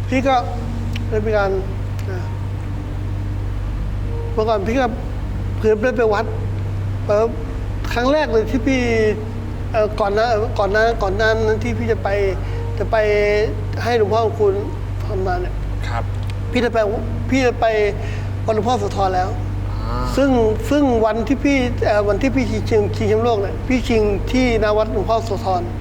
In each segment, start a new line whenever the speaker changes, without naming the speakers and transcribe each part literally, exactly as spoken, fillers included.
พี่ก็ได้มีการเมื่อก่อนพี่ก็เพื่อนได้ไปวัดครั้งแรกเลยที่พี่ก่อนนะก่อนหน้าก่อนหน้านั้นที่พี่จะไปจะไปให้หลวงพ่อคุณทำมาเนี่ย
ครับ
พี่จะไปพี่จะไปวันหลวงพ่อโสธรแล้วซึ่งซึ่งวันที่พี่วันที่พี่ชิงชิงแชมป์โลกเนี่ยพี่ชิงที่นาวัดหลวงพ่อโสธร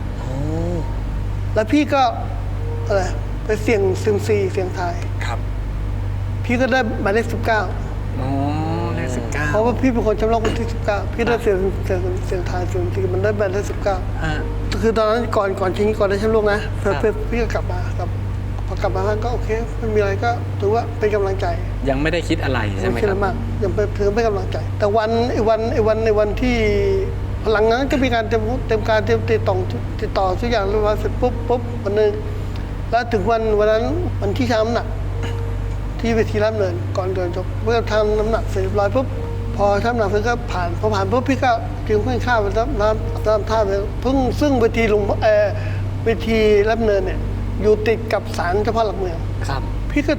แล้วพี่ก็อะไรไปเสี่ยงซิมซีเสี่ยงทาย
ครับ
พี่ก็ได้หมายเลขสิบเก้า
อ๋อเลขสิบเก้า
เพราะว่าพี่เป็นคนแชมป์โลกคนที่สิบเก้าพี่ได้เสี่ยงเสี่ยงเสี่ยงทายเสี่ยงซีมันได้หมายเลขสิบเก้าคือตอนนั้นก่อนก่อนชิงก่อนได้แชมป์โลกนะพี่ก็กลับมาครับพอกลับมาก็โอเคไม่มีอะไรก็ถือว่าเป็นกำลังใจ
ยังไม่ได้คิดอะไรใช่ไหมครับ
มากยังเป็นเพื่อไม่กำลังใจแต่วันไอ้วันไอ้วันในวันที่หลังนั้นก็มีการเตรียมเตรียมการเตรียมติดต่อติดต่อทุกอย่างเรียบร้อยเสร็จปุ๊บปุ๊บวันนึงแล้วถึงวันวันนั้นวันที่ชั่งน้ำหนักที่เวทีรับเนินก่อนเดินจบเมื่อทำน้ำหนักเสร็จเรียบร้อยปุ๊บพอชั่งน้ำหนักเสร็จก็ผ่านพอผ่านปุ๊บพี่ก็จึงเพิ่งข้าวไปรับน้ำน้ำท่าไปเพิ่งซึ่งเวทีลงเออเวทีรับเนินเนี่ยอยู่ติดกับศาลเจ้าพ่อหลักเมือง
ครับ
พี่ก็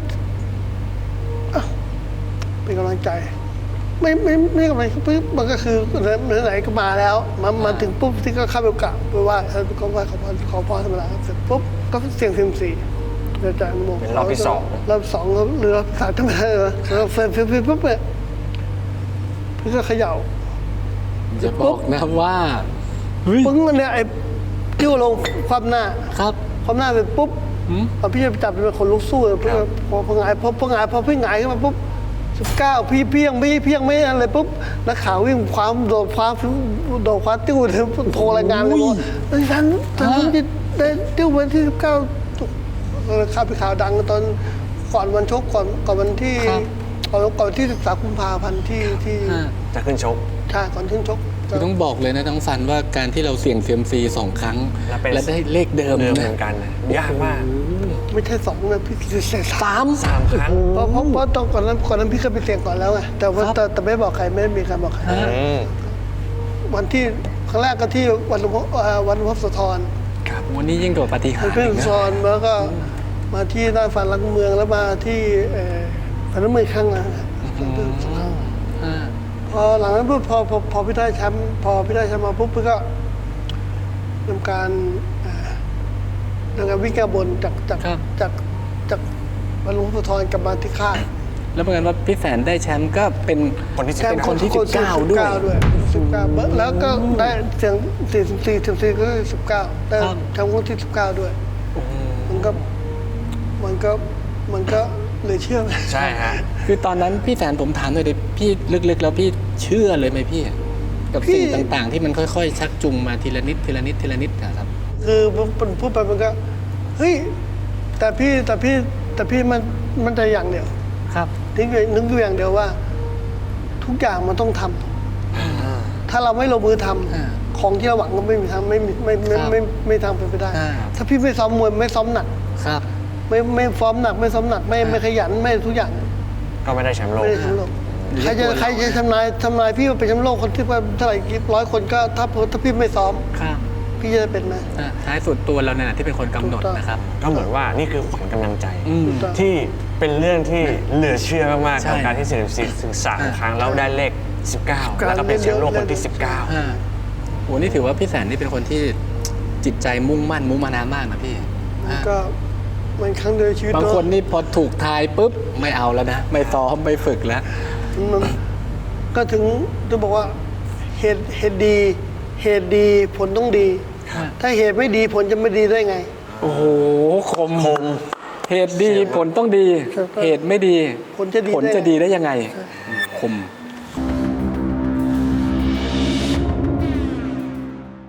เป็นกำลังใจไม่ไม่ไม่กำลังปุ๊บมันก็คือไหนๆก็มาแล้วมามาถึงปุ๊บที่ก็เข้าไปกราบไปไหว้ก็ไหว้ขอพรขอพรธรรมดาเสร็จปุ๊บก็เสี่ยงซิมซีอาจารย์บอก
เป็นรอบที่สอง
รอบสองหรือรอบสามธรรมดาเหรอเราเฟรมเฟรมปุ๊บเนี่ยพี่ก็เขย่า
จะบอกนะว่า
ปึ้งเนี่ยไอ้ที่ลงความหน้า
ครับ
ความหน้าเสร็จปุ๊บพอพี่จะจับเป็นคนลุกสู้เลยพอพอหงายพอพอหงายพอพี่หงายขึ้นมาปุ๊บสิบเก้าพี่เพียงไม่เพียงไม่อะไรปุ๊บนักข่าววิ่งคว้าโดดคว้าโดดคว้าติ้วโทรรายงานเลยว่าท่านท่านที่ได้ติ้ววันที่สิบเก้าข่าวไปข่าวดังตอนก่อนวันชกก่อนก่อนวันที่ก่อนก่อนที่สิบสามกุมภาพันธ์ที่ที่
จะขึ้นชก
ใช่ก่อนขึ้นชก
คือต้องบอกเลยนะทั้งฟันว่าการที่เราเสี่ยงเซียมซีสองครั้งและได้เลขเดิม
เหมือนกันยากมาก
ไม่ใช่สองนะพี่เสี่ยง
สาม
สามครั้ง
เพราะเพราะเพราะตอนก่อนนั้นก่อนนั้นพี่เคยไปเสี่ยงก่อนแล้วไงแต่ว่าแต่ไม่บอกใครไม่มีใครบอกใครวันที่ครั้งแรกก็ที่วันวันพระโสธร
ครับวันนี้ยิ่งกว่าปฏิหารย์
เพื่อนซอนแล้วก็มาที่หน้าฝันหลังเมืองแล้วมาที่ฝันหลังเมืองครั้งนึงพอหลังนั้นปุ๊บพอพอพอพี่ได้แชมป์พอพี่ได้แชมป์มาปุ๊บพี่ก็ทำการทำการวิ่งแก้บนจากจากจากจากบรรลุพระธรกลับมาที่ค่าย
แล้วเหมือนว่าพี่แสนได้แชมป์ก็เป็น
คนที่
เป็นคนที่สิบเก้าด้วย
สิบเก้าแล้วก็ได้เสียงสี่สิบสี่สิบสี่ก็สิบเก้าได้แชมป์คนที่สิบเก้าด้วยมันก็มันก็มันก็เลยเชื่อไหม
ใช่ฮะ
คือตอนนั้นพี่แสนผมถามหน่อยดิพี่ลึกๆแล้วพี่เชื่อเลยไหมพี่กับสิ่งต่างๆที่มันค่อยๆชักจูงมาทีละนิดทีละนิดทีละนิดนะครับ
คือมันพูดไปมันก็เฮ้ยแต่พี่แต่พี่แต่พี่มันมันใจอย่างเดียว
ครับ
นึกนึกอยู่อย่างเดียวว่าทุกอย่างมันต้องทำถ้าเราไม่ลงมือทำของที่เราหวังก็ไม่มีทางไม่ไม่ไม่ไม่ไม่ทางเป็นไปได้ถ้าพี่ไม่ซ้อมมวยไม่ซ้อมหนัก
ครับ
ไม่ไม่ซ้อมหนักไม่ซ้อมหนักไม่ไม่ขยันไม่ทุกอย่าง
ก็ไม่ได้แชมป์โลก
ไม่ได้แชมป์โลกใครจะใครจะทำนายทำนายพี่ว่าเป็นแชมป์โลกคนที่ว่าเท่าไหร่กี่ร้อยคนก็ถ้าถ้าพี่ไม่ซ้อมพี่จะเป็นไหม
ท้ายสุดตัวเราเนี่ยที่เป็นคนกำหนดนะครับ
ก็เหมือนว่านี่คือขวัญกำลังใจที่เป็นเรื่องที่เหลือเชื่อมากๆกับการที่เสี่ยงถึงสามครั้งแล้วได้เลขสิบเก้าแล้วก็เป็นแชมป์โลกคนที่สิบเก้า
โอ้นี่ถือว่าพี่แสนนี่เป็นคนที่จิตใจมุ่งมั่นมุมานามากนะพี่
ก็มันครั้งเดียวชีวิต
บางคนนี่พอถูกทายปุ๊บไม่เอาแล้วนะไม่ซ้อมไม่ฝึกแล้ว
ก็ถึงจะบอกว่าเหตุเหตุดีเหตุดีผลต้องดีถ้าเหตุไม่ดีผลจะไม่ดีได้ไง
โอ้โหคมคมเหตุดีผลต้องดีเหตุไม่ดี
ผลจะดี
ผลจะดีได้ยังไงคม